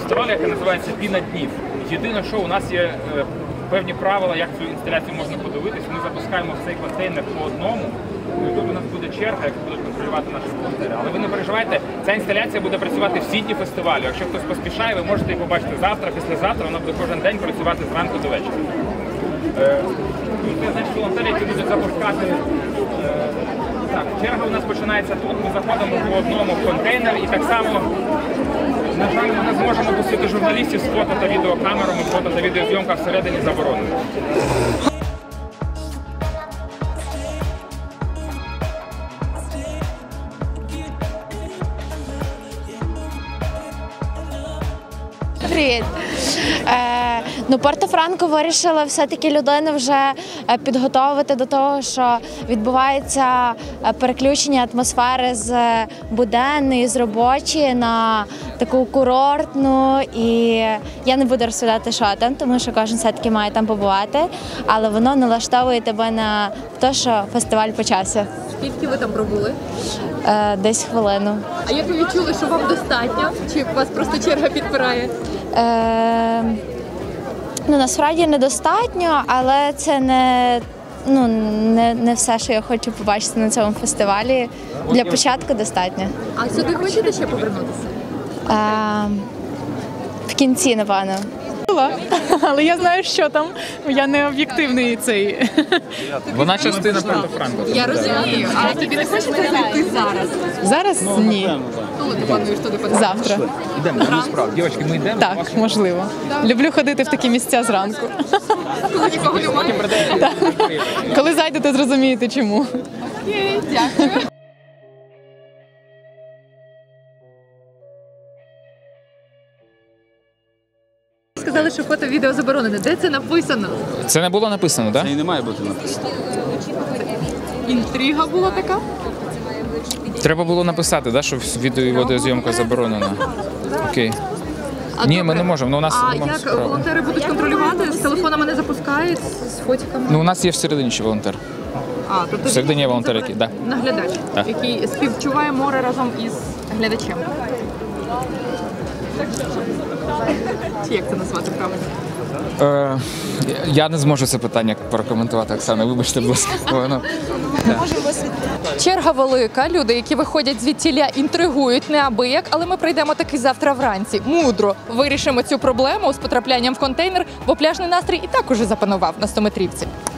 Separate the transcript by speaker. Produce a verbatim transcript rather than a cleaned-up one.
Speaker 1: фестивалю, яке називається «Піна днів». Єдине, що у нас є е, певні правила, як цю інсталяцію можна подивитись. Ми запускаємо в цей контейнер по одному. І тут у нас буде черга, яку будуть контролювати наші волонтери. Але ви не переживайте, ця інсталяція буде працювати всі дні фестивалю. Якщо хтось поспішає, ви можете її побачити завтра, післязавтра, вона буде кожен день працювати зранку до вечора. Е, тут є, значить, волонтери, які будуть запускати. Е, так, черга у нас починається тут, ми заходимо по одному в контейнер і так само, на жаль, ми не зможемо пустити журналістів з фото та відеокамерами, фото та відеозйомка всередині заборонена.
Speaker 2: Привіт. Е, ну, Порто-Франко вирішила все-таки людину вже підготовити до того, що відбувається переключення атмосфери з буденної, з робочої на таку курортну. І я не буду розповідати, що там, тому що кожен все-таки має там побувати, але воно налаштовує тебе на те, що фестиваль почався.
Speaker 3: Скільки ви там пробули?
Speaker 2: Е, десь хвилину.
Speaker 3: А як ви відчули, що вам достатньо? Чи вас просто черга підпирає?
Speaker 2: Е, ну, насправді недостатньо, але це не, ну, не, не все, що я хочу побачити на цьому фестивалі. Для початку достатньо.
Speaker 3: А сюди хочете ще повернутися?
Speaker 2: Е, в кінці, напевно.
Speaker 4: Але я знаю, що там. Я не об'єктивний цей.
Speaker 1: Вона частина Порто-Франко.
Speaker 3: Я розумію, але тобі не хочеться зайти зараз?
Speaker 4: Зараз ні.
Speaker 3: Коли ти плануєш туди подати?
Speaker 4: Завтра.
Speaker 1: Йдемо, справді. Дівчатки, ми йдемо.
Speaker 4: Так, можливо. Люблю ходити в такі місця зранку.
Speaker 3: Коли нікого немає?
Speaker 4: Коли зайдете, зрозумієте чому.
Speaker 3: Окей, дякую. Сказали, що фото-відео заборонене. Де це написано?
Speaker 1: Це не було написано, так?
Speaker 5: Це і не має бути написано.
Speaker 3: Інтрига була така?
Speaker 1: Треба було написати, да, що відео і відеозйомка заборонена. Окей.
Speaker 3: А
Speaker 1: Ні,
Speaker 3: добре.
Speaker 1: ми не можемо. Ну, у нас
Speaker 3: А
Speaker 1: нема
Speaker 3: як
Speaker 1: справи.
Speaker 3: волонтери будуть контролювати? З телефонами не запускають, з фотиками?
Speaker 1: Ну, у нас є всередині ще волонтер.
Speaker 3: А, тобто
Speaker 1: всередині є
Speaker 3: він
Speaker 1: волонтер, який, да.
Speaker 3: наглядач,
Speaker 1: Так.
Speaker 3: який співчуває море разом із глядачем. Чи як це назвати правильно?
Speaker 1: Е, я не зможу це питання прокоментувати, Оксана, вибачте, будь ласка. Воно-
Speaker 3: Черга велика, люди, які виходять звідтіля, інтригують неабияк, але ми прийдемо таки завтра вранці. Мудро вирішимо цю проблему з потраплянням в контейнер, бо пляжний настрій і так уже запанував на стометрівці.